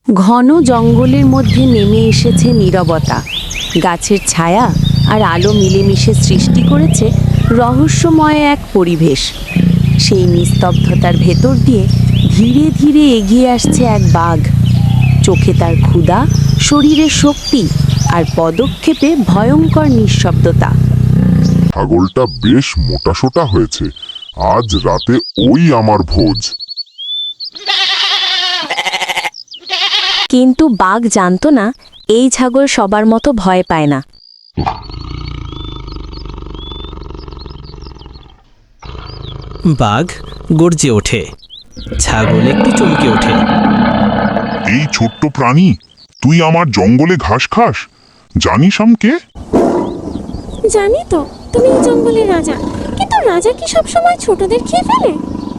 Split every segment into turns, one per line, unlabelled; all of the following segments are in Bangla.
ঘন জঙ্গলের মধ্যে নেমে এসেছে নীরবতা। গাছের ছায়া আর আলো মিলেমিশে সৃষ্টি করেছে রহস্যময় এক পরিবেশ। সেই নিস্তব্ধতার ভেতর দিয়ে ধীরে ধীরে এগিয়ে আসছে এক বাঘ। চোখে তার ক্ষুধা, শরীরে শক্তি আর পদক্ষেপে ভয়ঙ্কর নিঃশব্দতা।
ছাগলটা বেশ মোটাসোটা হয়েছে। আজ রাতে ওই আমার ভোজ।
কিন্তু বাঘ জানতো না, এই ছাগল সবার মতো ভয় পায় না।
বাঘ গর্জে ওঠে, ছাগল একটু চমকে ওঠে।
এই ছোট্ট প্রাণী, তুই আমার জঙ্গলে ঘাস খাস? জানিস আমি কে?
জানি তো, তুমি এই জঙ্গলের রাজা। কিন্তু রাজা কি সবসময় ছোটদের খেয়ে ফেলে?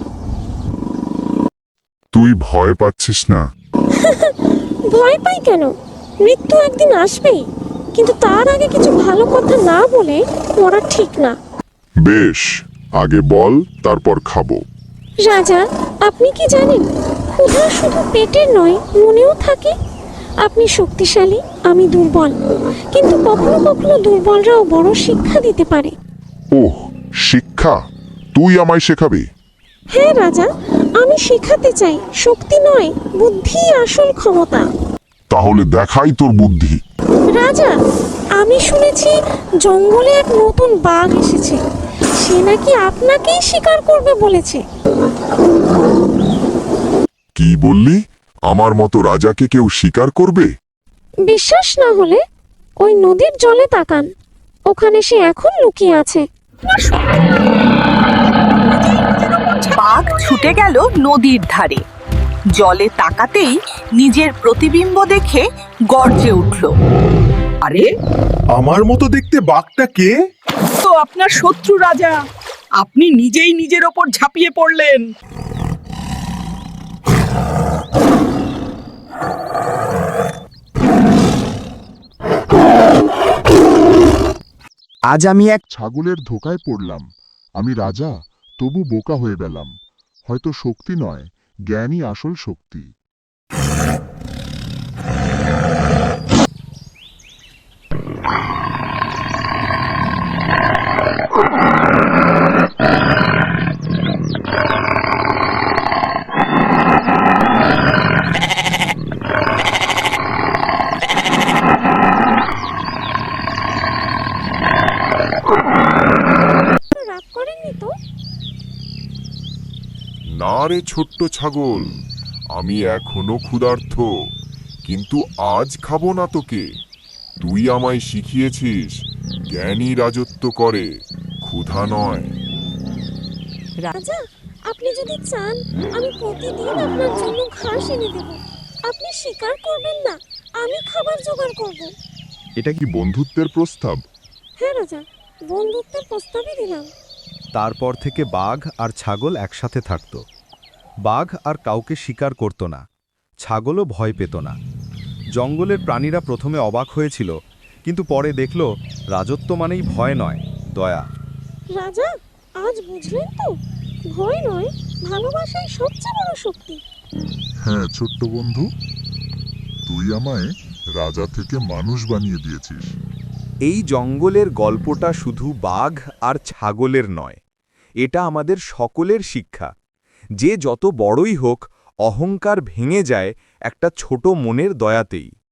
তুই ভয় পাচ্ছিস না?
ভয় পাই কেন? মৃত্যু একদিন আসবেই, কিন্তু তার আগে কিছু ভালো কথা না বলে মরা ঠিক না।
বেশ, আগে বল, তারপর খাবো।
রাজা, আপনি কি জানেন, ক্ষুধা শুধু পেটের নয়, মনেও থাকে। আপনি শক্তিশালী, আমি দুর্বল, কিন্তু কখনো কখনো দুর্বলরাও বড় শিক্ষা দিতে পারে।
ওহ, শিক্ষা? তুই আমায় শেখাবি?
হ্যাঁ রাজা, আমি শেখাতে চাই। শক্তি নয়, বুদ্ধি আসল ক্ষমতা।
তাহলে দেখাই তোর বুদ্ধি।
রাজা, আমি শুনেছি জঙ্গলে এক নতুন বাঘ এসেছে। সে নাকি আপনাকেই শিকার করবে বলেছে।
কি বললি? আমার মতো রাজাকে কেউ শিকার করবে?
বিশ্বাস না হলে ওই নদীর জলে তাকান, ওখানে সে এখন লুকিয়ে আছে।
বাঘ ছুটে গেল নদীর ধারে। জলে তাকাতেই নিজের প্রতিবিম্ব দেখে গর্জে উঠল। আরে,
আমার মতো দেখতে বাঘটা কে?
তো আপনার শত্রু রাজা। আপনি নিজেই নিজের ওপর ঝাঁপিয়ে পড়লেন।
আজ আমি এক ছাগলের ধোকায় পড়লাম। আমি রাজা, তবু বোকা হয়ে গেলাম। হয়তো শক্তি নয়, জ্ঞানই আসল শক্তি।
রাগ করেননি তো?
না রে ছোট্ট ছাগল, আমি এখনো ক্ষুধার্ত, কিন্তু আজ খাবো না তোকে। তুই আমায় শিখিয়েছিস জ্ঞানী রাজত্ব করে, ক্ষুধা নয়।
রাজা, আপনি যদি চান, আমি প্রতিদিন আপনার জন্য ঘাস এনে দেব। আপনি শিকার করবেন না, আমি খাবার জোগাড় করব।
এটা কি বন্ধুত্বের প্রস্তাব?
হ্যাঁ রাজা, বন্ধুত্বের প্রস্তাবই দিলাম।
তারপর থেকে বাঘ আর ছাগল একসাথে থাকত। বাঘ আর কাউকে শিকার করত না, ছাগলও ভয় পেত না। জঙ্গলের প্রাণীরা প্রথমে অবাক হয়েছিল, কিন্তু পরে দেখল রাজত্ব মানেই ভয় নয়, দয়া।
রাজা, আজ বুঝলেন তো, ভয় নয়, ভালোবাসাই সবচেয়ে বড় শক্তি।
হ্যাঁ ছোট্ট বন্ধু, তুই আমায় রাজা থেকে মানুষ বানিয়ে দিয়েছিস।
এই জঙ্গলের গল্পটা শুধু বাঘ আর ছাগলের নয়, এটা আমাদের সকলের শিক্ষা। যে যত বড়ই হোক, অহংকার ভেঙে যায় একটা ছোট মনের দয়াতেই।